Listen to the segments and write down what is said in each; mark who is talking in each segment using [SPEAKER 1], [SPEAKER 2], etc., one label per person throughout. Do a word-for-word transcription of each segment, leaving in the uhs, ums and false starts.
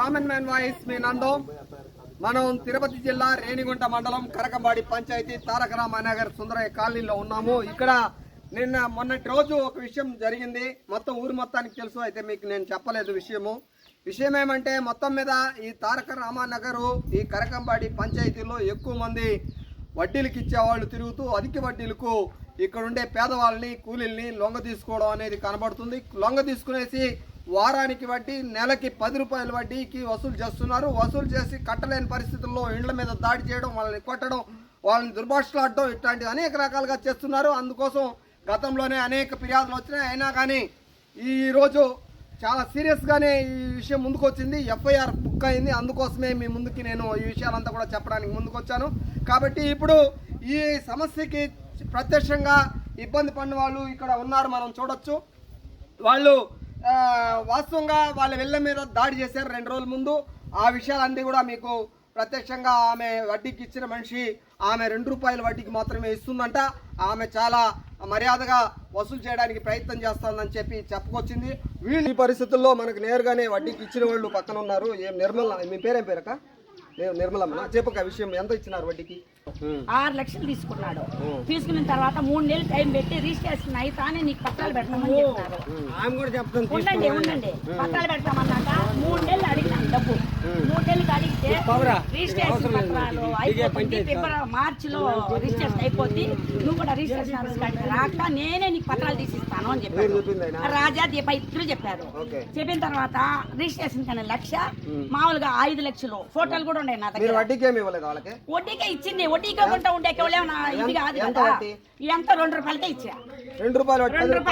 [SPEAKER 1] Common man voice మీ నందం. మనం తిరుపతి జిల్లా రేణిగుంట మండలం కరకంబాడి పంచాయతీ తారక రామానగర్ సుందరయ్య కాలనీలో ఉన్నాము. ఇక్కడ నిన్న మొన్నటి రోజు ఒక విషయం జరిగింది. మొత్తం ఊరు మొత్తానికి తెలుసు, అయితే మీకు నేను చెప్పలేదు విషయము. విషయం ఏమంటే మొత్తం మీద ఈ తారక రామానగరు ఈ కరకంబాడి పంచాయతీలో ఎక్కువ మంది వడ్డీలకు ఇచ్చేవాళ్ళు తిరుగుతూ అధిక వడ్డీలకు ఇక్కడ ఉండే పేదవాళ్ళని కూలీల్ని లొంగ తీసుకోవడం అనేది కనబడుతుంది. లొంగ తీసుకునేసి వారానికి వడ్డీ, నెలకి పది రూపాయల వడ్డీకి వసూలు చేస్తున్నారు. వసూలు చేసి కట్టలేని పరిస్థితుల్లో ఇండ్ల మీద దాడి చేయడం, వాళ్ళని కొట్టడం, వాళ్ళని దుర్భాషలాడడం, ఇట్లాంటివి అనేక రకాలుగా చేస్తున్నారు. అందుకోసం గతంలోనే అనేక ఫిర్యాదులు వచ్చినాయి. అయినా కానీ ఈరోజు చాలా సీరియస్గానే ఈ విషయం ముందుకు వచ్చింది. ఎఫ్ఐఆర్ బుక్ అయింది. అందుకోసమే మీ ముందుకి నేను ఈ విషయాలంతా కూడా చెప్పడానికి ముందుకు వచ్చాను. కాబట్టి ఇప్పుడు ఈ సమస్యకి ప్రత్యక్షంగా ఇబ్బంది పడిన వాళ్ళు ఇక్కడ ఉన్నారు, మనం చూడొచ్చు. వాళ్ళు వాస్తవంగా వాళ్ళ వెళ్ళ మీద దాడి చేశారు రెండు రోజుల ముందు. ఆ విషయాలన్నీ కూడా మీకు ప్రత్యక్షంగా ఆమె వడ్డీకి ఇచ్చిన మనిషి ఆమె రెండు రూపాయల వడ్డీకి మాత్రమే ఇస్తుందంట. ఆమె చాలా మర్యాదగా వసూలు చేయడానికి ప్రయత్నం చేస్తుందని చెప్పి చెప్పుకొచ్చింది. వీళ్ళు ఈ పరిస్థితుల్లో మనకు నేరుగానే వడ్డీకి ఇచ్చిన వాళ్ళు పక్కన ఉన్నారు. ఏం నిర్మల, మీ పేరేం పేరక? నిర్మలమ్మ, చెప్పక విషయం ఎంత ఇచ్చినారు వడ్డీకి?
[SPEAKER 2] ఆరు లక్షలు తీసుకున్నాడు. తీసుకున్న తర్వాత మూడు నెలలు టైం పెట్టి రిజిస్ట్రేషన్ అయితానే నీకు పత్రాలు పెడతామని చెప్పారు. ఉండండి ఉండండి పత్రాలు పెడతామన్నాక మూడు నెలలు అడిగినాను డబ్బు. మూడు నెలలకి అడిగితే రిజిస్ట్రేషన్ పత్రాలు అయిపోతుంది, ఫిబ్రవరి మార్చిలో రిజిస్ట్రేషన్ అయిపోద్ది, నువ్వు కూడా రిజిస్ట్రేషన్ రాక నేనే నీకు పత్రాలు తీసిస్తాను అని చెప్పారు. రాజా దీప ఇద్దరు చెప్పారు. చెప్పిన తర్వాత రిజిస్ట్రేషన్ కన్నా లక్ష, మామూలుగా ఐదు లక్షలు ఫోటోలు కూడా ఉన్నాయి నా దగ్గర. వడ్డీకే ఇచ్చింది. వడ్డీకే కొంటా ఉండే ఇది కాదు కదా. ఎంత రెండు రూపాయలకే ఇచ్చా.
[SPEAKER 1] రెండు రూపాయలు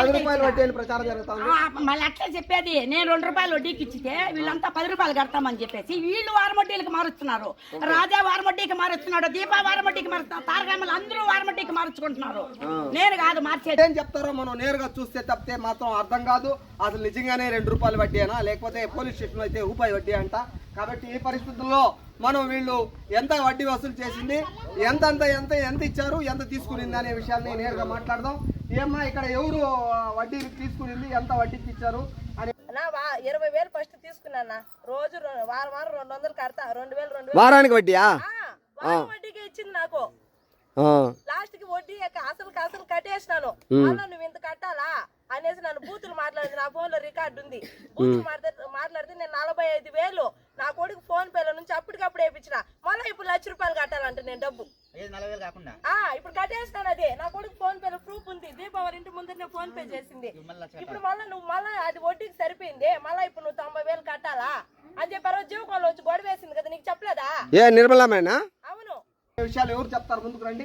[SPEAKER 2] మళ్ళీ అట్లా చెప్పేది. నేను రెండు రూపాయలు వడ్డీకి ఇచ్చితే వీళ్ళంతా పది రూపాయలు కడతామని చెప్పేసి వీళ్ళు వారమొడ్డీలకు మారుస్తున్నారు. రాజా వారమొడ్డీకి మారుస్తున్నాడు, దీపా వారమొడ్డీకి మారుస్తున్నారు, తారకమ్మలు అందరూ వారమొడ్డీకి మార్చుకుంటున్నారు. నేను కాదు మార్చేది.
[SPEAKER 1] ఏం చెప్తారో మనం నేరుగా చూస్తే తప్పితే మాత్రం అర్థం కాదు. అసలు నిజంగానే రెండు రూపాయల వడ్డీ అయినా లేకపోతే పోలీస్ స్టేషన్ అయితే రూపాయి వడ్డీ అంట. కాబట్టి ఈ పరిస్థితుల్లో మనం వీళ్ళు ఎంత వడ్డీ వసూలు చేసింది, ఎంత ఎంత ఎంత ఎంత ఇచ్చారు, ఎంత తీసుకునింది అనే విషయాన్ని నేరుగా మాట్లాడదాం. ఏమ్మా, ఇక్కడ ఎవరు వడ్డీ తీసుకునింది, ఎంత వడ్డీకి ఇచ్చారు అని?
[SPEAKER 3] ఇరవై వేలు ఫస్ట్ తీసుకున్నా. రోజు వారం వారం రెండు వందలు కడతా. రెండు వేలు రెండు
[SPEAKER 1] వారానికి వడ్డీయా?
[SPEAKER 3] వడ్డీకే ఇచ్చింది నాకు. లాస్ట్ కి వడ్డీ అసలు అసలు కట్టేసినాను. అలా నువ్వు ఇంత కట్టాలా అనేసి నన్ను బూతులు మాట్లాడింది. నా ఫోన్ లో రికార్డు ఉంది. బూతులు మాట్లాడితే నేను నలభై ఐదు వేలు నా కొడుకు ఫోన్ పేల నుంచి అప్పటికప్పుడు వేయించిన. మళ్ళీ ఇప్పుడు లక్ష రూపాయలు కట్టాలంటే నేను డబ్బు ఇప్పుడు కట్టేస్తాను. అదే నా కొడుకు ఫోన్ పేలో ప్రూఫ్ ఉంది. దీపావళి ఇంటి ముందు నేను ఫోన్ పే చేసింది. ఇప్పుడు మళ్ళీ నువ్వు మళ్ళీ అది వడ్డీకి సరిపోయింది. మళ్ళీ ఇప్పుడు నువ్వు తొంభై వేలు కట్టాలా అని చెప్పారు. జీవకోళ్ళు వచ్చి గొడవ వేసింది కదా, నీకు చెప్పలేదా?
[SPEAKER 1] ఏ నిర్మలమేనా?
[SPEAKER 3] అవును.
[SPEAKER 1] విషయాలు ఎవరు చెప్తారు? ముందుకు రండి.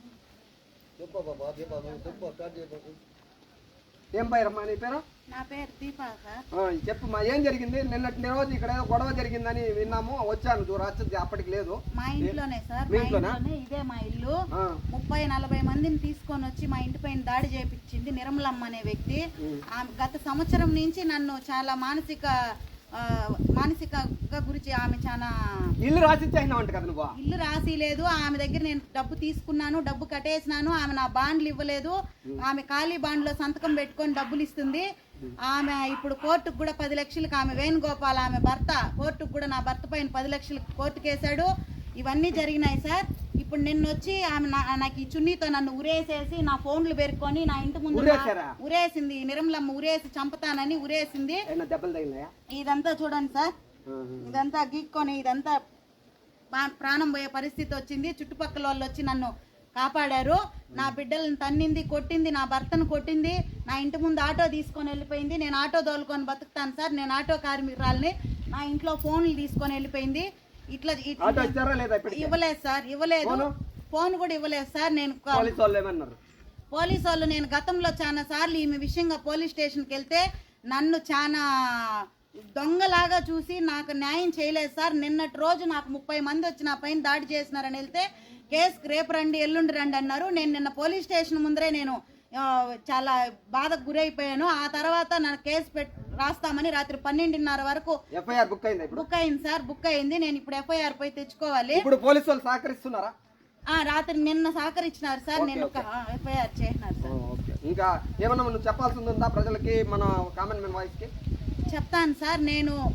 [SPEAKER 1] ఏం పేరమ్మా నీ పేరు?
[SPEAKER 4] నా పేరు దీపా సార్.
[SPEAKER 1] చెప్పమ్మా, ఏం జరిగింది? నిన్నటి రోజు ఇక్కడ ఏదో గొడవ జరిగిందని విన్నాము, వచ్చాను. చూడచ్చు అప్పటికి లేదు.
[SPEAKER 4] మా ఇంట్లోనే సార్, మా ఇంట్లోనే. ఇదే మా ఇల్లు. ముప్పై నలభై మందిని తీసుకొని వచ్చి మా ఇంటి పైన దాడి చేయించింది నిర్మలమ్మ అనే వ్యక్తి. గత సంవత్సరం నుంచి నన్ను చాలా మానసిక మానసికంగా గురించి ఆమె చాలా
[SPEAKER 1] ఇల్లు రాసిచ్చాయింట కదా నువ్వు?
[SPEAKER 4] ఇల్లు రాసి లేదు. ఆమె దగ్గర నేను డబ్బు తీసుకున్నాను, డబ్బు కట్టేసినాను. ఆమె నా బాండ్లు ఇవ్వలేదు. ఆమె ఖాళీ బాండ్లో సంతకం పెట్టుకొని డబ్బులు ఇస్తుంది. ఆమె ఇప్పుడు కోర్టుకు కూడా పది లక్షలకు ఆమె వేణుగోపాల్ ఆమె భర్త కోర్టుకు కూడా నా భర్త పైన పది లక్షలకు కోర్టుకు వేశాడు. ఇవన్నీ జరిగినాయి సార్. ఇప్పుడు నిన్న వచ్చి ఆమె నాకు ఈ చున్నీతో నన్ను ఉరేసేసి నా ఫోన్లు పెరుక్కొని నా ఇంటి ముందు ఉరేసింది. నిర్మలమ్మ ఉరేసి చంపుతానని ఉరేసింది. ఇదంతా చూడండి సార్, ఇదంతా గీక్కొని ఇదంతా ప్రాణం పోయే పరిస్థితి వచ్చింది. చుట్టుపక్కల వాళ్ళు వచ్చి నన్ను కాపాడారు. నా బిడ్డలను తన్నింది, కొట్టింది, నా భర్తను కొట్టింది. నా ఇంటి ముందు ఆటో తీసుకొని వెళ్ళిపోయింది. నేను ఆటో తోలుకొని బతుకుతాను సార్, నేను ఆటో కార్మికురాలని. నా ఇంట్లో ఫోన్లు తీసుకొని వెళ్ళిపోయింది. ఇట్లా ఇవ్వలేదు సార్, ఇవ్వలేదు. ఫోన్ కూడా ఇవ్వలేదు సార్. నేను పోలీసు వాళ్ళు నేను గతంలో చాలా సార్లు ఈమె విషయంగా పోలీస్ స్టేషన్కి వెళ్తే నన్ను చాలా దొంగలాగా చూసి నాకు న్యాయం చేయలేదు సార్. నిన్నటి రోజు నాకు ముప్పై మంది వచ్చి నా పైన దాడి చేసినారని వెళ్తే కేసుకు రేపు రండి ఎల్లుండి రండి అన్నారు. నేను నిన్న పోలీస్ స్టేషన్ ముందరే నేను చాలా బాధకు గురైపోయాను. ఆ తర్వాత నా కేసు పెట్ రాస్తామని రాత్రి పన్నెండున్నర వరకు
[SPEAKER 1] ఎఫ్ఐఆర్ బుక్ అయింది.
[SPEAKER 4] బుక్ అయింది సార్, బుక్ అయింది. నేను ఇప్పుడు ఎఫ్ఐఆర్ పోయి తెచ్చుకోవాలి.
[SPEAKER 1] ఇప్పుడు పోలీసు వాళ్ళు సహకరిస్తున్నారా?
[SPEAKER 4] రాత్రి నిన్న సహకరించినారు సార్. నేను ఎఫ్ఐఆర్ చేసినారు సార్.
[SPEAKER 1] ఇంకా ఏమన్నా నువ్వు చెప్పాల్సి ఉందా ప్రజలకి, మన కామన్ మ్యాన్ వాయిస్ కి?
[SPEAKER 4] చెప్తాను సార్. నేను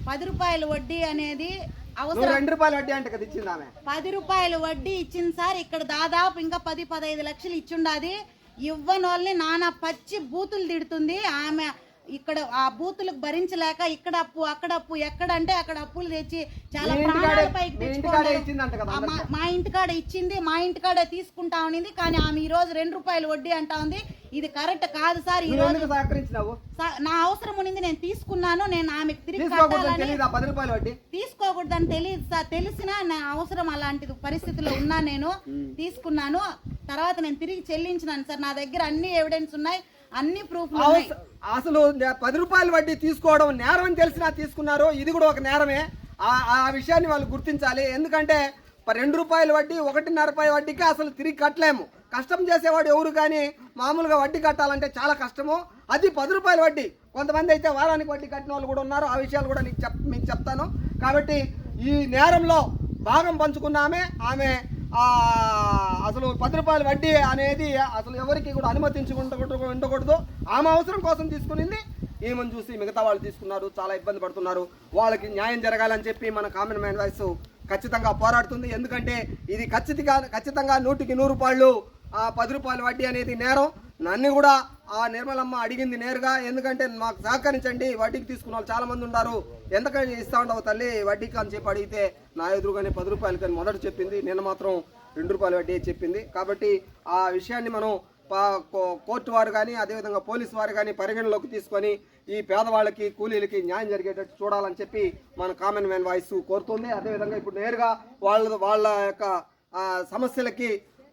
[SPEAKER 4] పది రూపాయల వడ్డీ అనేది
[SPEAKER 1] నువ్వు
[SPEAKER 4] అవసరం.
[SPEAKER 1] రెండు రూపాయల వడ్డీ అంటే కదా ఇచ్చింది ఆమె.
[SPEAKER 4] పది రూపాయల వడ్డీ ఇచ్చింది సార్. ఇక్కడ దాదాపు ఇంకా పది పదహైదు లక్షలు ఇచ్చుండాది. ఇవ్వని వాళ్ళని నానా పచ్చి బూతులు తిడుతుంది ఆమె. ఇక్కడ ఆ బూతులకు భరించలేక ఇక్కడ అప్పు అక్కడ అప్పు ఎక్కడంటే అక్కడ అప్పులు తెచ్చి చాలా
[SPEAKER 1] మీ ఇంటికాడే-
[SPEAKER 4] ప్రాణాల పైకి
[SPEAKER 1] మీ ఇంటికాడే ఇచ్చిందంట కదా
[SPEAKER 4] తెచ్చుకోవాలి. మా- మా ఇంటికాడ ఇచ్చింది, మా ఇంటికాడే తీసుకుంటా ఉన్నింది. కానీ ఆమె ఈ రోజు రెండు రూపాయలు వడ్డీ అంటా ఉంది. ఇది కరెక్ట్ కాదు సార్. ఈ
[SPEAKER 1] నువ్వు
[SPEAKER 4] రోజు
[SPEAKER 1] ఎందుకు సహకరించినావు?
[SPEAKER 4] సా- నా అవసరం ఉన్నింది, నేను తీసుకున్నాను. నేను ఆమెకు తిరిగి
[SPEAKER 1] తీసుకోకూడదని
[SPEAKER 4] కట్టాలని
[SPEAKER 1] తెలియదా పది రూపాయల వడ్డీ?
[SPEAKER 4] తీసుకోకూడదని తెలియదు సార్. తెలిసినా నా అవసరం అలాంటి పరిస్థితిలో ఉన్నా నేను తీసుకున్నాను. తర్వాత నేను తిరిగి చెల్లించినాను సార్. నా దగ్గర అన్ని ఎవిడెన్స్ ఉన్నాయి, అన్ని ప్రూఫ్ ఉన్నాయి.
[SPEAKER 1] అసలు పది రూపాయల వడ్డీ తీసుకోవడం నేరం అని తెలిసినా తీసుకున్నారు. ఇది కూడా ఒక నేరమే. ఆ- ఆ విషయాన్ని వాళ్ళు గుర్తించాలి. ఎందుకంటే రెండు రూపాయల వడ్డీ ఒకటిన్నర రూపాయల వడ్డీకి అసలు తిరిగి కట్టలేము. కష్టం చేసేవాడు ఎవరు కానీ మామూలుగా వడ్డీ కట్టాలంటే చాలా కష్టము. అది పది రూపాయల వడ్డీ. కొంతమంది అయితే వారానికి వడ్డీ కట్టిన వాళ్ళు కూడా ఉన్నారు. ఆ విషయాలు కూడా నీకు చెప్ మీకు చెప్తాను. కాబట్టి ఈ నేరంలో భాగం పంచుకున్న ఆమె ఆమె ఆ, అసలు పది రూపాయల వడ్డీ అనేది అసలు ఎవరికి కూడా అనుమతించకుండా ఉండకూడదు. ఆమె అవసరం కోసం తీసుకునింది. ఈమెను చూసి మిగతా వాళ్ళు తీసుకున్నారు, చాలా ఇబ్బంది పడుతున్నారు. వాళ్ళకి న్యాయం జరగాలని చెప్పి మన కామన్ మ్యాన్ వాయిస్ ఖచ్చితంగా పోరాడుతుంది. ఎందుకంటే ఇది ఖచ్చితంగా ఖచ్చితంగా నూటికి నూరు రూపాయలు ఆ పది రూపాయల వడ్డీ అనేది నేరం. నన్ను కూడా ఆ నిర్మలమ్మ అడిగింది నేరుగా. ఎందుకంటే మాకు సహకరించండి, వడ్డీకి తీసుకున్న వాళ్ళు చాలా మంది ఉన్నారు, ఎంతకని ఇస్తా ఉండవు తల్లి వడ్డీకి అని చెప్పి అడిగితే నా ఎదురుగానే పది రూపాయలు కానీ మొదట చెప్పింది. నిన్న మాత్రం రెండు రూపాయల వడ్డీ చెప్పింది. కాబట్టి ఆ విషయాన్ని మనం కోర్టు వారు కానీ అదేవిధంగా పోలీసు వారు కానీ పరిగణలోకి తీసుకొని ఈ పేదవాళ్ళకి కూలీలకి న్యాయం జరిగేటట్టు చూడాలని చెప్పి మన కామన్ మ్యాన్ వాయిస్ కోరుతుంది. అదేవిధంగా ఇప్పుడు నేరుగా వాళ్ళ వాళ్ళ యొక్క సమస్యలకి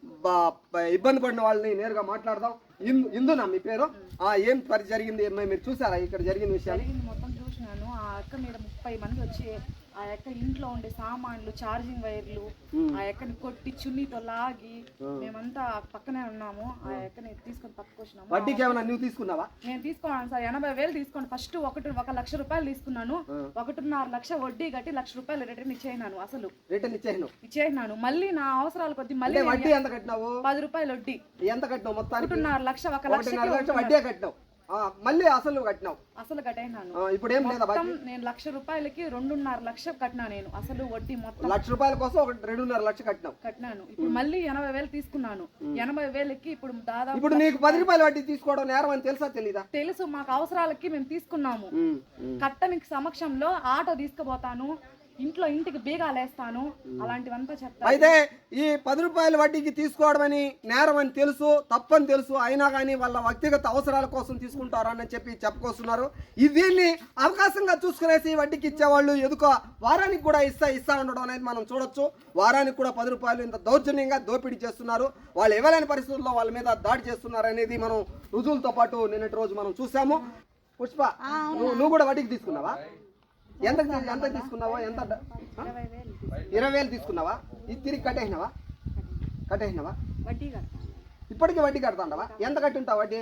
[SPEAKER 1] ఇబ్బంది పడిన వాళ్ళని నేరుగా మాట్లాడదాం. ఇందునా మీ పేరు? ఏం పరి జరిగింది మీరు చూసారా ఇక్కడ జరిగిన విషయాలు?
[SPEAKER 5] మొత్తం చూసినాను. ఆ అక్క మీద ముప్పై మంది వచ్చి ఆ యొక్క ఇంట్లో ఉండే సామాన్లు, ఛార్జింగ్ వైర్లు ఆ ఎక్కని కొట్టి చున్నీతో లాగి మేమంతా పక్కనే ఉన్నాము. ఆ ఎక్కని తీసుకొని పట్టుకొచ్చినాము.
[SPEAKER 1] వడ్డీకి ఏమైనా నువ్వు తీసుకున్నావా?
[SPEAKER 5] నేను తీసుకున్నాను సార్. ఎనభై వేలు తీసుకోండి. ఫస్ట్ ఒకటి ఒక లక్ష రూపాయలు తీసుకున్నాను. ఒకటిన్నర లక్ష వడ్డీ కట్టి లక్ష రూపాయలు రిటర్న్ ఇచ్చేయినాను. అసలు
[SPEAKER 1] రిటర్న్ ఇచ్చేయను
[SPEAKER 5] ఇచ్చేయినాను. మళ్ళీ నా అవసరాల కొద్ది మళ్ళీ
[SPEAKER 1] వడ్డీ ఎంత కట్టినావు?
[SPEAKER 5] పది రూపాయలు వడ్డీ.
[SPEAKER 1] ఎంత కట్టినావు మొత్తానికి?
[SPEAKER 5] ఒకటిన్నర లక్ష ఒక లక్ష
[SPEAKER 1] వడ్డీ కట్టినావు. మళ్ళీ అసలు కట్టినావు.
[SPEAKER 5] అసలు కట్టినాను.
[SPEAKER 1] ఇప్పుడు ఏం లేదా?
[SPEAKER 5] నేను లక్ష రూపాయలకి రెండున్నర లక్ష కట్టినా. నేను అసలు వడ్డీ మొత్తం
[SPEAKER 1] లక్ష రూపాయల కోసం ఒక రెండున్నర లక్ష కట్టినావు.
[SPEAKER 5] కట్టినాను. ఇప్పుడు మళ్ళీ ఎనభై వేలు తీసుకున్నాను. ఎనభై వేలకి ఇప్పుడు దాదాపు
[SPEAKER 1] ఇప్పుడు నీకు పది రూపాయల వడ్డీ తీసుకోవడం నేరం అని తెలుసా తెలీదా?
[SPEAKER 5] తెలుసు. మాకు అవసరాలకి మేము తీసుకున్నాము. కట్టనికి సమక్షంలో ఆటో తీసుకుపోతాను, ఇంట్లో ఇంటికి బీగాలు వేస్తాను, అలాంటివంతా చెప్తాను.
[SPEAKER 1] అయితే ఈ పది రూపాయల వడ్డీకి తీసుకోవడం అని నేరం అని తెలుసు, తప్పని తెలుసు, అయినా కానీ వాళ్ళ వ్యక్తిగత అవసరాల కోసం తీసుకుంటారని చెప్పి చెప్పుకొస్తున్నారు. ఈ దీన్ని అవకాశంగా చూసుకునేసి వడ్డీకి ఇచ్చేవాళ్ళు ఎదుక వారానికి కూడా ఇస్తా ఇస్తా ఉండడం అనేది మనం చూడొచ్చు. వారానికి కూడా పది రూపాయలు ఇంత దౌర్జన్యంగా దోపిడీ చేస్తున్నారు. వాళ్ళు ఇవ్వలేని పరిస్థితుల్లో వాళ్ళ మీద దాడి చేస్తున్నారు అనేది మనం రుజువులతో పాటు నిన్నటి రోజు మనం చూసాము. పుష్ప, నువ్వు కూడా వడ్డీకి తీసుకున్నావా? ఎంత ఎంత తీసుకున్నావా? ఎంత? ఇరవై వేలు తీసుకున్నావా? ఇది తిరిగి కట్టేసినావా? కట్టేసినావా? ఇప్పటికీ వడ్డీ కడతాండవా? ఎంత కట్టింటావు వడ్డీ?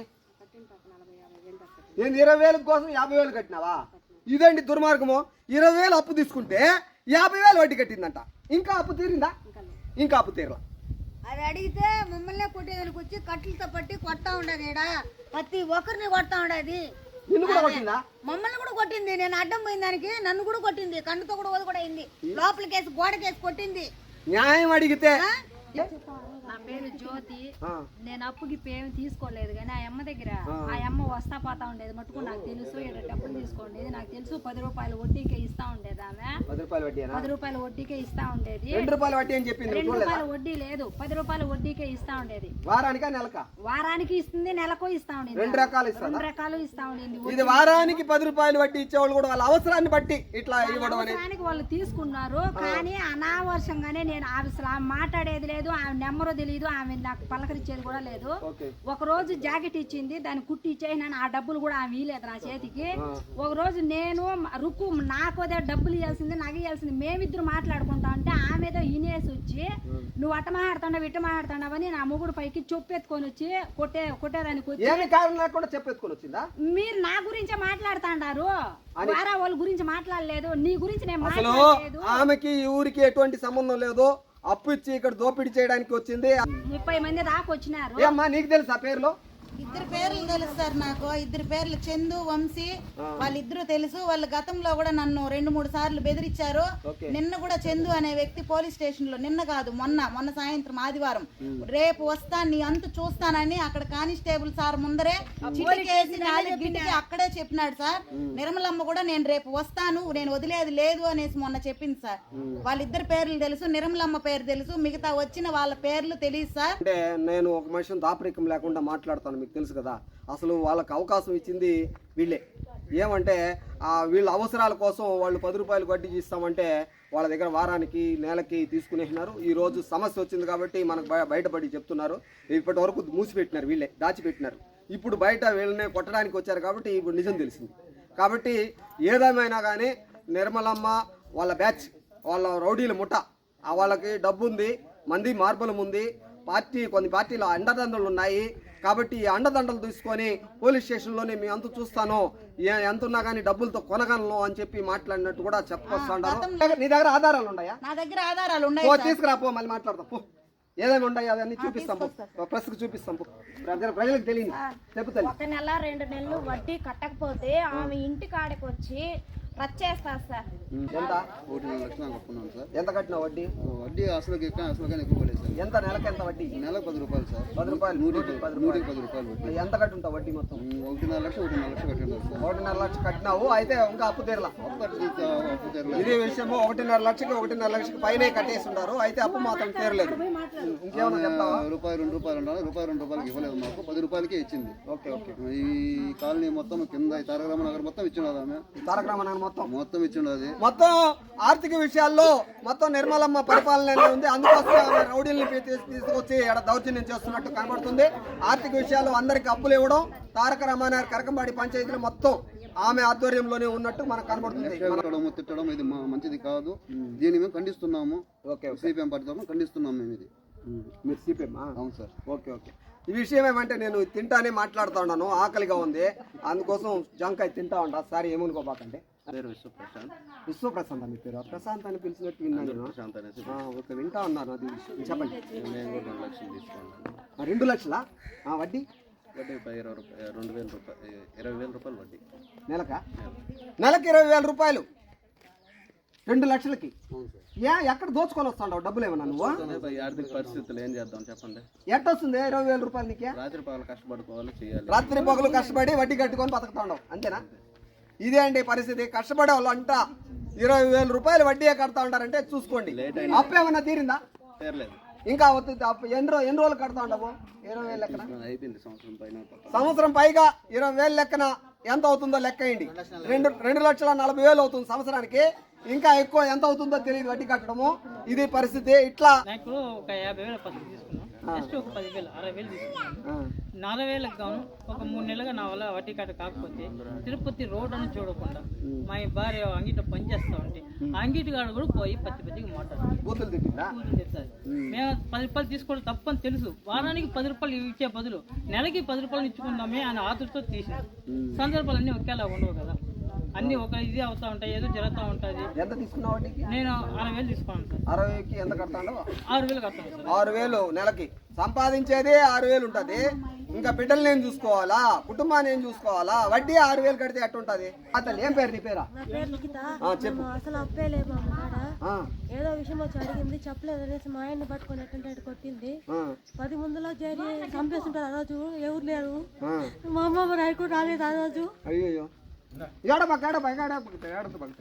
[SPEAKER 1] ఏంది ఇరవై వేల కోసం యాభై వేలు కట్టినావా? ఇదండి దుర్మార్గము. ఇరవై వేలు అప్పు తీసుకుంటే యాభై వేలు వడ్డీ కట్టిందంట. ఇంకా అప్పు తీరిందా? ఇంకా అప్పు తీరలా.
[SPEAKER 6] అది అడిగితే మమ్మల్ని కొట్టేదానికి వచ్చి కట్టెలతో పట్టి కొడతా ఉండదు. ఈడ ప్రతి ఒక్కరిని కొడతా ఉండేది.
[SPEAKER 1] నిన్ను కూడా కొట్టిందా?
[SPEAKER 6] మమ్మల్ని కూడా కొట్టింది. నేను అడ్డం పోయిన దానికి నన్ను కూడా కొట్టింది. కన్నుతో కూడా వది కూడా అయింది. లోపలికేసి గోడకేసి కొట్టింది.
[SPEAKER 1] న్యాయం అడిగితే
[SPEAKER 7] నా పేరు జ్యోతి. నేను అప్పుకి ఏమి తీసుకోలేదు కానీ ఆ అమ్మ దగ్గర ఆ అమ్మ వస్తా పోతా ఉండేది మటుకు నాకు తెలుసు. ఇక్కడ డబ్బులు తీసుకోండి నాకు తెలుసు. పది రూపాయల వడ్డీకే ఇస్తా ఉండేది ఆమె.
[SPEAKER 1] పది రూపాయల వడ్డీ
[SPEAKER 7] పది రూపాయల వడ్డీకే ఇస్తా ఉండేది.
[SPEAKER 1] రెండు రూపాయల వడ్డీ అని చెప్పింది.
[SPEAKER 7] రెండు రూపాయల వడ్డీ లేదు, పది రూపాయల వడ్డీకే ఇస్తా ఉండేది.
[SPEAKER 1] వారానికా నెలకా?
[SPEAKER 7] వారానికి ఇస్తుంది, నెలకు ఇస్తా ఉండేది.
[SPEAKER 1] రెండు రకాలు ఇస్తా
[SPEAKER 7] రెండు రకాలు ఇస్తా ఉండేది.
[SPEAKER 1] ఇది వారానికి పది రూపాయలు వడ్డీ ఇచ్చేవాళ్ళు కూడా వాళ్ళ అవసరాన్ని బట్టి ఇట్లా ఇవ్వడం అనేది
[SPEAKER 7] అవసరానికి వాళ్ళు తీసుకున్నారు. కానీ అనావర్షంగానే నేను అసలు ఆమె మాట్లాడేది లేదు, ఆమె నెంబరు తెలియదు, ఆమె నాకు పలకరించేది కూడా లేదు. ఒక రోజు జాకెట్ ఇచ్చింది, దాన్ని కుట్టి ఇచ్చేసినాను. ఆ డబ్బులు కూడా ఆమె ఇవ్వలేదు నా చేతికి. ఒక రోజు నేను రుక్కు నాకు అదే డబ్బులు ఇవ్వాల్సింది, నాకు ఇవ్వాల్సింది, మేమిద్దరు మాట్లాడుకుంటా ఉంటే ఆమె ఏదో ఇనేసి వచ్చి నువ్వు అట్ట మాట్లాడుతున్నావు ఇట్ట మాట్లాడుతున్నావని నా మొగుడు పైకి చెప్పెత్తుకొని వచ్చి కొట్టే కొట్టేదానికి వచ్చి
[SPEAKER 1] చెప్పెత్తుకొని వచ్చిందా?
[SPEAKER 7] మీరు నా గురించే మాట్లాడుతాండారు, వారా వాళ్ళ గురించి మాట్లాడలేదు, నీ గురించి నేను
[SPEAKER 1] అసలు ఆమెకి ఊరికి ఎటువంటి సంబంధం లేదు. అప్పు ఇచ్చి ఇక్కడ దోపిడీ చేయడానికి వచ్చింది.
[SPEAKER 7] ముప్పై మంది దాకా వచ్చినారు.
[SPEAKER 1] ఏమ్మా నీకు తెలుసా పేర్లు?
[SPEAKER 4] ఇద్దరు పేర్లు తెలుసు సార్ నాకు. ఇద్దరు పేర్లు చందు, వంశీ, వాళ్ళిద్దరూ తెలుసు. వాళ్ళు గతంలో కూడా నన్ను రెండు మూడు సార్లు బెదిరించారు. నిన్న కూడా చందు అనే వ్యక్తి పోలీస్ స్టేషన్ లో, నిన్న కాదు మొన్న మొన్న సాయంత్రం ఆదివారం, రేపు వస్తా నీ అంత చూస్తానని అక్కడ కానిస్టేబుల్ సార్ ముందరే చిటికేసి నాలుగు గిటికి అక్కడే చెప్పినాడు సార్. నిర్మలమ్మ కూడా నేను రేపు వస్తాను, నేను వదిలేది లేదు అనేసి మొన్న చెప్పింది సార్. వాళ్ళిద్దరు పేర్లు తెలుసు, నిర్మలమ్మ పేరు తెలుసు, మిగతా వచ్చిన వాళ్ళ పేర్లు తెలియదు సార్.
[SPEAKER 1] అంటే నేను ఒక మనిషిని దాపరికం లేకుండా మాట్లాడతాను, మీకు తెలుసు కదా. అసలు వాళ్ళకి అవకాశం ఇచ్చింది వీళ్ళే. ఏమంటే వీళ్ళ అవసరాల కోసం వాళ్ళు పది రూపాయలు వడ్డీ ఇస్తామంటే వాళ్ళ దగ్గర వారానికి నెలకి తీసుకునేసినారు. ఈ రోజు సమస్య వచ్చింది కాబట్టి మనకు బయటపడి చెప్తున్నారు. ఇప్పటి వరకు మూసిపెట్టినారు, వీళ్ళే దాచిపెట్టినారు. ఇప్పుడు బయట వీళ్ళని కొట్టడానికి వచ్చారు కాబట్టి ఇప్పుడు నిజం తెలిసింది. కాబట్టి ఏదేమైనా కానీ నిర్మలమ్మ వాళ్ళ బ్యాచ్, వాళ్ళ రౌడీల ముఠ, వాళ్ళకి డబ్బు ఉంది, మంది మార్బలం ఉంది, పార్టీ కొన్ని పార్టీల అండదండలు ఉన్నాయి. కాబట్టి ఈ అండదండలు తీసుకొని పోలీస్ స్టేషన్లోనే మీ అంత చూస్తాను, ఎంత ఉన్నా కానీ డబ్బులతో కొనగలను అని చెప్పి మాట్లాడినట్టు కూడా చెప్పొస్తాడు. నీ దగ్గర ఆధారాలు ఉన్నాయా?
[SPEAKER 4] నా దగ్గర ఆధారాలు ఉన్నాయి.
[SPEAKER 1] తీసుకురా పో, మళ్ళీ మాట్లాడతాం పో. ఏదేమి ఉన్నాయి అవన్నీ చూపిస్తాం, ప్రెస్ కు చూపిస్తాం, ప్రజలకు తెలియదు చెప్తాను.
[SPEAKER 7] ఒక నెల రెండు నెలలు వడ్డీ కట్టకపోతే ఆమె ఇంటి కాడికి వచ్చి రచ్చేస్తారు సార్.
[SPEAKER 1] ఎంత
[SPEAKER 8] ఒకటిన్నర లక్షలు కట్టుకున్నాను సార్.
[SPEAKER 1] ఎంత కట్టిన వడ్డీ?
[SPEAKER 8] వడ్డీ అసలు అసలు కానీ ఎక్కువ పడేది సార్.
[SPEAKER 1] ఎంత నెలకి ఎంత వడ్డీ?
[SPEAKER 8] నెలకు పది రూపాయలు సార్.
[SPEAKER 1] పది రూపాయలు
[SPEAKER 8] నూటికి పది నూటికి పది రూపాయలు వడ్డీ.
[SPEAKER 1] ఎంత కట్టుంటావు వడ్డీ మొత్తం?
[SPEAKER 8] ఒకటిన్నర లక్ష ఒకటిన్నర లక్ష కట్టినారు సార్.
[SPEAKER 1] ఒకటిన్నర లక్ష కట్టినావు, అయితే ఇంకా అప్పు తీరలా. ఇదే విషయము ఒకటిన్నర లక్షకి ఒకటిన్నర లక్షకి పైన కట్టేసి ఉంటారు, అయితే అప్పు మాత్రం తీరలేదు. ఇంకేమన్నా చెప్తావా?
[SPEAKER 8] రూపాయి రెండు రూపాయలు ఉండాలి, రూపాయి రెండు రూపాయలకి ఇవ్వలేదు మాకు, పది రూపాయలకే ఇచ్చింది.
[SPEAKER 1] Okay okay.
[SPEAKER 8] ఈ కాలనీ మొత్తం కింద ఈ తారక రామనగర్ మొత్తం ఇచ్చినది ఆమె.
[SPEAKER 1] తారక రామనగర్ మొత్తం
[SPEAKER 8] మొత్తం ఇచ్చినది.
[SPEAKER 1] మొత్తం ఆర్థిక విషయాల్లో మొత్తం నిర్మలమ్మ పరిపాలన ఉంది. అందుకోసం ఆమె రౌడీల్ని తీసుకొచ్చి ఇక్కడ దౌర్జన్యం చేస్తున్నట్టు కనబడుతుంది. ఆర్థిక విషయాల్లో అందరికి అప్పులు ఇవ్వడం, తారక రామానగర్ కరకంబాడి పంచాయతీలు మొత్తం ఆమె ఆధ్వర్యంలోనే ఉన్నట్టు మనకు కనబడుతుంది.
[SPEAKER 8] తిట్టడం ఇది మంచిది కాదు, దీన్ని మేము ఖండిస్తున్నాము. ఓకే, సిపిఎం పార్టీ తరఫున ఖండిస్తున్నాము మేము ఇది.
[SPEAKER 1] మీరు సిపిఎం?
[SPEAKER 8] అవును సార్.
[SPEAKER 1] Okay okay. ఈ విషయం ఏమంటే నేను తింటానే మాట్లాడుతూ ఉన్నాను, ఆకలిగా ఉంది, అందుకోసం జంకాయ తింటా ఉంటా. సార్ ఏమనుకోబాకండి.
[SPEAKER 8] విశ్వప్రశాంత్.
[SPEAKER 1] విశ్వప్రశాంత్ అని పేరు, ప్రశాంత్ అని పిలిచినట్టు విన్నాను. ఓకే, వింటా ఉన్నాను. అది చెప్పండి. రెండు లక్షలా వడ్డీ?
[SPEAKER 8] వడ్డీ ఇరవై రూపాయలు రెండు వేల రూపాయలు ఇరవై వేల రూపాయలు వడ్డీ
[SPEAKER 1] నెలక నెలకి ఇరవై వేల రూపాయలు రెండు లక్షలకి. ఏ ఎక్కడ దోచుకొని వస్తావు డబ్బులు ఏమన్నా నువ్వు?
[SPEAKER 8] ఆర్థిక పరిస్థితులు ఏం చేద్దాం చెప్పండి.
[SPEAKER 1] ఎట్టొస్తుంది ఇరవై వేల రూపాయలు నీకే?
[SPEAKER 8] రాత్రి పగలు కష్టపడుకోవాలి, చేయాలి.
[SPEAKER 1] రాత్రి పగలు కష్టపడి వడ్డీ కట్టుకొని బతుకుతా ఉండవు, అంతేనా? ఇదే అండి పరిస్థితి. కష్టపడే వాళ్ళు అంట ఇరవై వేల రూపాయలు వడ్డీ కడతా ఉంటారంటే చూసుకోండి. అప్పు ఏమన్నా తీరిందా?
[SPEAKER 8] తీరలేదు.
[SPEAKER 1] ఇంకా ఎన్ని రోజు ఎన్ని రోజులు కడతా ఉండవు? ఇరవై వేలు లెక్కన
[SPEAKER 8] అయిపోయింది. సంవత్సరం పైన
[SPEAKER 1] సంవత్సరం పైగా ఇరవై వేలు లెక్కన ఎంత అవుతుందో లెక్క అయ్యండి. రెండు రెండు లక్షల నలభై వేలు అవుతుంది సంవత్సరానికి. ఇంకా ఎక్కువ ఎంత అవుతుందో తెలియదు వడ్డీ కట్టడము. ఇది పరిస్థితి. ఇట్లా
[SPEAKER 9] నాకు ఒక యాభై వేల పత్రిక తీసుకున్నాను, నెక్స్ట్ ఒక పదివేలు అరవై వేలు తీసుకున్నాను. నలభై వేలకు గాను ఒక మూడు నెలలుగా నా వల్ల వడ్డీ కట్ట కాకపోతే తిరుపతి రోడ్ అని చూడకుండా మా భార్య అంగిట పనిచేస్తా ఉంటే అంగిటి కాడ కూడా పోయి పత్తి పత్తికి మాట్లాడుతుంది,
[SPEAKER 1] బూతులు తిట్టిందా?
[SPEAKER 9] బూతులు తిడుతుంది. మేము పది రూపాయలు తీసుకోవడం తప్పని తెలుసు, వారానికి పది రూపాయలు ఇచ్చే బదులు నెలకి పది రూపాయలు ఇచ్చుకుందామే అని ఆతులతో తీసింది. సందర్భాలు అన్నీ ఒకేలా ఉండవు కదా, అన్ని ఒక ఇది అవుతా ఉంటాయి, ఏదో జరుగుతూ ఉంటుంది.
[SPEAKER 1] ఎంత తీసుకున్నావు వడ్డీకి?
[SPEAKER 9] నేను అరవై వేలు తీసుకున్నాను సార్.
[SPEAKER 1] అరవైకి ఎంత కడతాడు?
[SPEAKER 9] ఆరు వేలు కడతాను సార్.
[SPEAKER 1] ఆరు వేలు నెలకి సంపాదించేది ఆరు వేలు ఉంటుంది. ఇంకా బిడ్డలు నేను చూసుకోవాలా, కుటుంబాన్ని ఏం చూసుకోవాలా, వడ్డీ ఆరు వేలు కడితే ఎట్టుంటది? అతను ఏం పేరు నీ పేరా? చెప్పు.
[SPEAKER 3] అసలు అప్పే లేదు ఏదో విషయం వచ్చి అడిగింది, చెప్పలేదు అనేసి మా ఆయన్ని పట్టుకొని ఎట్టంటే కొట్టింది. పది ముందులో చేరి చంపేస్తుంటారు. ఆ రోజు ఎవరు లేరు, మా అమ్మ రైకు రాలేదు ఆ రోజు.
[SPEAKER 1] అయ్యో ఏడబాక ఏడబాక ఏడబాక ఏడత బాక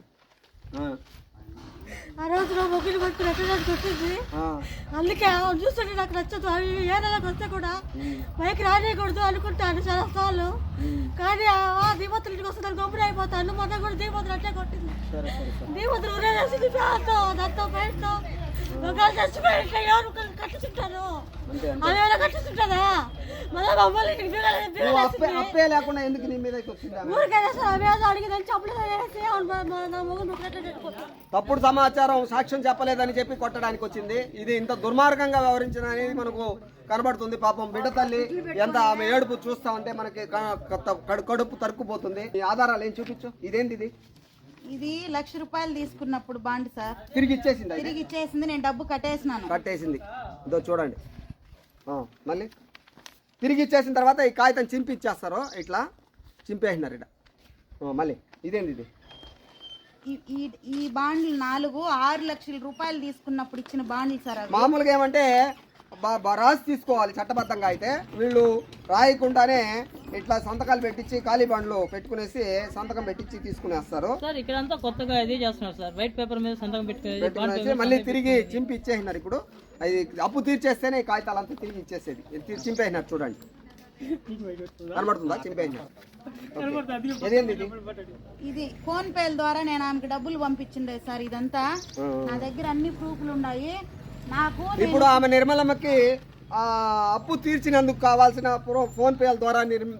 [SPEAKER 3] ఆ రోజు నా మొగ్గులు పట్టుకుని ఎట్టడానికి కొట్టింది. అందుకే చూస్తుంటే నాకు నచ్చదు. అవి ఏ నెలకు వస్తే కూడా పైకి రానియకూడదు అనుకుంటాను చాలా సార్లు, కానీ ఆ దీపత్తుల ఇంటికి వస్తే దాన్ని గొప్పలు అయిపోతాను. మొన్న కూడా దీపత్తులు అట్లే కొట్టింది. దీపత్తులు ఉరేసింది దాంతో దాంతో బయటతో ఒకళ్ళు చచ్చిపోయి ఎవరు కట్టించుంటారు, అవి ఏమైనా కట్టించుంటారా? మళ్ళీ మమ్మల్ని
[SPEAKER 1] అప్పే లేకుండా ఎందుకు నీ మీద
[SPEAKER 3] ఊరికైనా సరే అవి ఏదో అడిగిందని చెప్పలేదు. నా మొగ్గు నువ్వు
[SPEAKER 1] తప్పుడు సమాచారం సాక్ష్యం చెప్పలేదని చెప్పి కొట్టడానికి వచ్చింది. ఇది ఇంత దుర్మార్గంగా వ్యవహరించిన అనేది మనకు కనబడుతుంది. పాపం బిడ్డ తల్లి ఎంత ఆమె ఏడుపు చూస్తా ఉంటే మనకి కడుపు తరుక్కుపోతుంది. ఈ ఆధారాలు ఏం చూపించు. ఇదేంటి ఇది?
[SPEAKER 4] ఇది లక్ష రూపాయలు తీసుకున్నప్పుడు బాండ్ సార్.
[SPEAKER 1] తిరిగి ఇచ్చేసింది?
[SPEAKER 4] తిరిగి ఇచ్చేసింది, నేను డబ్బు కట్టేసినాను.
[SPEAKER 1] కట్టేసింది. ఇదో చూడండి. మళ్ళీ తిరిగి ఇచ్చేసిన తర్వాత ఈ కాగితం చింపి ఇచ్చేస్తారు. ఇట్లా చింపేసినారు ఇక్కడ. మళ్ళీ ఇదేంది ఇది?
[SPEAKER 4] ఈ- ఈ ఈ బాండ్లు నాలుగు ఆరు లక్షల రూపాయలు తీసుకున్నప్పుడు ఇచ్చిన బాండ్లు సార్ అవి.
[SPEAKER 1] మామూలుగా ఏమంటే బా- బా- రాసి తీసుకోవాలి చట్టబద్ధంగా. అయితే వీళ్ళు రాయకుండానే ఇట్లా సంతకాలు పెట్టించి ఖాళీ బండ్లు పెట్టుకునేసి సంతకం పెట్టించి తీసుకునేస్తారు.
[SPEAKER 9] సార్ ఇక్కడంతా కొత్తగా ఇది చేస్తున్నారు సార్, వైట్ పేపర్ మీద సంతకం పెట్టుకునేది, బాండ్
[SPEAKER 1] పెట్టుకునేసి
[SPEAKER 9] పేపర్
[SPEAKER 1] మళ్ళీ
[SPEAKER 9] మీద
[SPEAKER 1] తిరిగి చింపి ఇచ్చేసినారు. ఇప్పుడు అది అప్పు తీర్చేస్తేనే ఈ కాగితాలంతా తిరిగి ఇచ్చేసేది. ఇది చింపేసినారు చూడండి, కనబడుతుందా? చింపేసినారు. ఇదేంది ఇది?
[SPEAKER 4] ఇది ఫోన్ పేల ద్వారా నేను ఆమెకి డబ్బులు పంపించిండే సార్. ఇదంతా నా దగ్గర అన్ని ప్రూఫ్లు ఉన్నాయి. నాకు
[SPEAKER 1] ఇప్పుడు ఆమె నిర్మలమ్మకి ఆ, అప్పు తీర్చినందుకు కావాల్సిన ప్రో- ఫోన్ పేల ద్వారా నిర్మ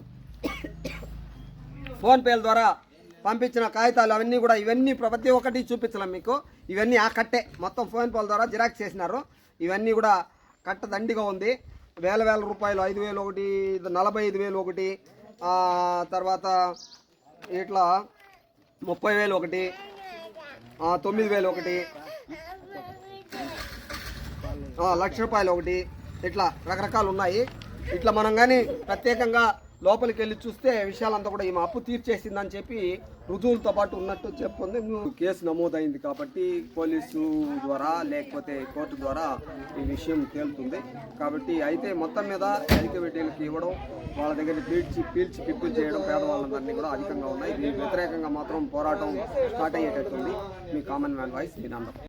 [SPEAKER 1] ఫోన్ పేల ద్వారా పంపించిన కాగితాలు అవన్నీ కూడా ఇవన్నీ ప్రతి ఒక్కటి చూపించలేం మీకు. ఇవన్నీ ఆ కట్టే మొత్తం ఫోన్ పేల ద్వారా జిరాక్స్ చేసినారు. ఇవన్నీ కూడా కట్ట దండిగా ఉంది. వేల వేల రూపాయలు, ఐదు వేలు ఒకటి, నలభై ఐదు వేలు ఒకటి, తర్వాత ఇట్లా ముప్పై వేలు ఒకటి, తొమ్మిది వేలు ఒకటి, లక్ష రూపాయలు ఒకటి, ఇట్లా రకరకాలు ఉన్నాయి. ఇట్లా మనం కానీ ప్రత్యేకంగా లోపలికి వెళ్ళి చూస్తే విషయాలంతా కూడా ఈమె అప్పు తీర్చేసిందని చెప్పి రుజువులతో పాటు ఉన్నట్టు చెప్పుకుంది. కేసు నమోదైంది కాబట్టి పోలీసు ద్వారా లేకపోతే కోర్టు ద్వారా ఈ విషయం తేలుతుంది. కాబట్టి అయితే మొత్తం మీద ఐక్య వడ్డీలకి ఇవ్వడం, వాళ్ళ దగ్గర పీల్చి పీల్చి పిప్పులు చేయడం పేదవాళ్ళందరినీ కూడా అధికంగా ఉన్నాయి. దీనికి వ్యతిరేకంగా మాత్రం పోరాటం స్టార్ట్ అయ్యేటట్టుంది. మీ కామన్ మ్యాన్ వాయిస్ మీ నందం.